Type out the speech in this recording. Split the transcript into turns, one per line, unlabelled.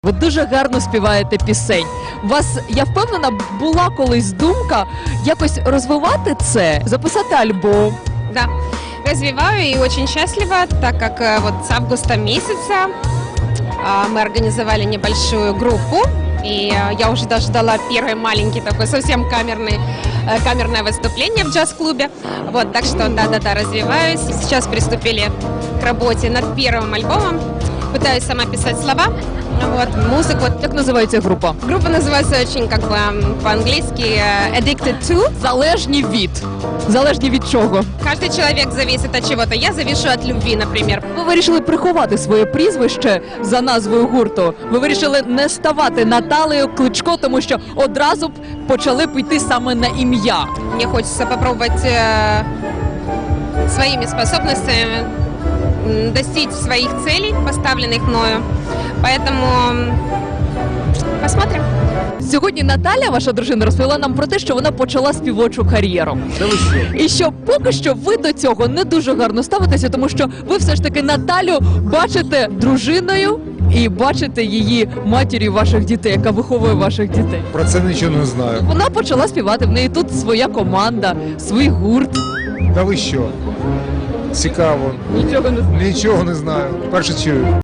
Ви дуже гарно співаєте пісень. У вас, я впевнена, була колись думка якось розвивати це, записати альбом.
Да, развиваю и очень счастлива, так как вот с августа месяца мы организовали небольшую группу, и я уже даже дала первый маленький такой совсем камерное выступление в джаз-клубе. Вот, так что да, развиваюсь. Сейчас приступили к работе над первым альбомом. Пытаюсь сама писать слова, вот, музыку. Вот.
Як називається група?
Группа называется очень как бы по-английски Addicted to.
Залежні від. Залежні від чого?
Каждый человек зависит от чего-то. Я завишу от любви, например.
Ви вирішили приховати своє прізвище за назвою гурту. Ви вирішили не ставати Наталею Кличко, тому що одразу б почали б йти саме на ім'я.
Мне хочется попробовать своими способностями достичь своих целей, поставленных мною. Поэтому посмотрим.
Сьогодні Наталя, ваша дружина, розповіла нам про те, що вона почала співочу кар'єру. І що поки що ви до цього не дуже гарно ставитеся, тому що ви все ж таки Наталю бачите дружиною і бачите її матір'ю ваших дітей, яка виховує ваших дітей.
Про це нічого не знаю.
Вона почала співати, в неї тут своя команда, свій гурт.
Та ви що? Цікаво.
Нічого не знаю.
Нічого не знаю. Перше чую.